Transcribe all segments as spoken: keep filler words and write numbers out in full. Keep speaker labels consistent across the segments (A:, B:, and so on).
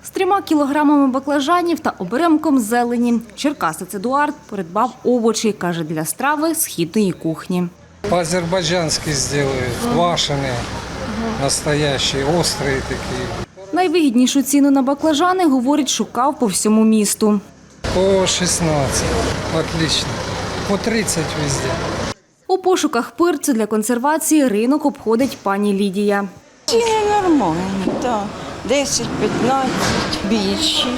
A: З трьома кілограмами баклажанів та оберемком зелені черкасець Едуард придбав овочі, каже, для страви східної кухні.
B: По-азербайджански зроблять, квашені, настоящі, гострі такі.
A: Найвигіднішу ціну на баклажани, говорить, шукав по всьому місту.
B: По шістнадцять, отлично, по тридцять везде.
A: У пошуках пирцю для консервації ринок обходить пані Лідія.
C: Ціни нормальні, так. десять-п'ятнадцять, більші.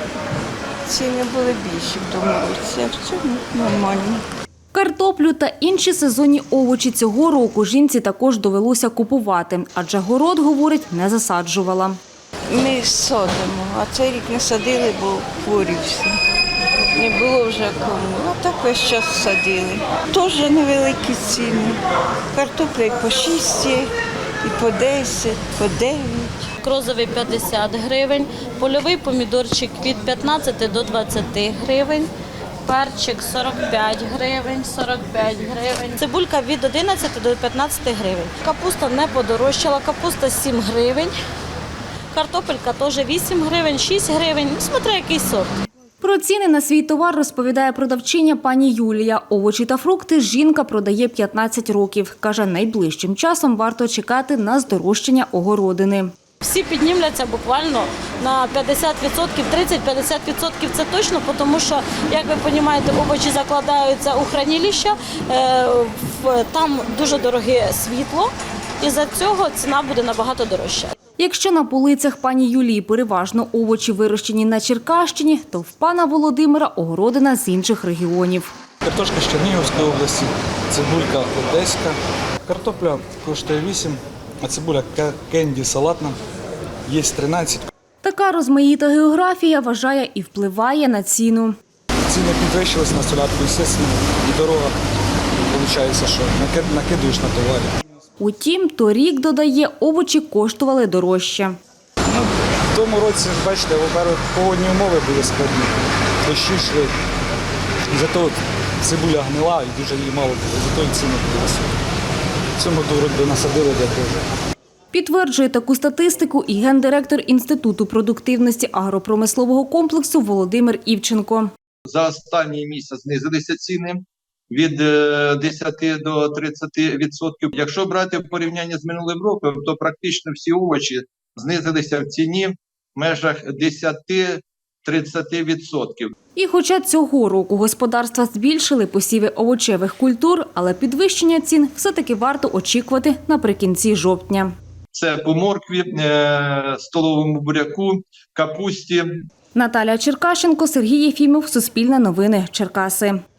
C: Ціни були більші в тому році, а в цьому нормально.
A: Картоплю та інші сезонні овочі цього року жінці також довелося купувати, адже город, говорить, не засаджувала.
C: Ми садимо, а цей рік не садили, бо хворі всі. Не було вже кому, а так весь час садили. Теж невеликі ціни. Картопля і по шість, і по десять, по дев'ять.
D: Крозовий п'ятдесят гривень, польовий помідорчик від п'ятнадцяти до двадцяти гривень, перчик сорок п'ять гривень, сорок п'ять гривень, цибулька від одинадцяти до п'ятнадцяти гривень. Капуста не подорожчала, капуста сім гривень, картопелька теж вісім гривень, шість гривень, смотря який сорт.
A: Про ціни на свій товар розповідає продавчиня пані Юлія. Овочі та фрукти жінка продає п'ятнадцять років. Каже, найближчим часом варто чекати на здорожчання огородини.
D: Всі піднімляться буквально на п'ятдесят відсотків, тридцять-п'ятдесят відсотків це точно, тому що, як ви розумієте, овочі закладаються у хранилища, там дуже дороге світло, і за цього ціна буде набагато дорожча.
A: Якщо на полицях пані Юлії переважно овочі вирощені на Черкащині, то в пана Володимира огородина з інших регіонів.
E: Картошка з Чернігівської області, цибулька одеська. Картопля коштує вісім, а цибуля кенді салатна є тринадцять.
A: Така розмаїта географія, вважає, і впливає на ціну.
E: Ціни підвищилися на солярку, звісно, і дорога, виходить, що накидуєш на товарі.
A: Утім, торік, додає, овочі коштували дорожче.
E: Ну, в тому році, бачите, во-первых, погодні умови були складні, дощі йшли. Зато цибуля гнила і дуже її мало було, зато і ціни були високі. В цьому році насадили для того.
A: Підтверджує таку статистику і гендиректор Інституту продуктивності агропромислового комплексу Володимир Івченко.
F: За останній місяць знизилися ціни від десяти до тридцяти відсотків. Якщо брати в порівнянні з минулим роком, то практично всі овочі знизилися в ціні в межах десяти-тридцяти відсотків.
A: І хоча цього року господарства збільшили посіви овочевих культур, але підвищення цін все-таки варто очікувати наприкінці жовтня.
F: Це по моркві, столовому буряку, капусті.
A: Наталя Черкашенко, Сергій Єфімов, Суспільне новини, Черкаси.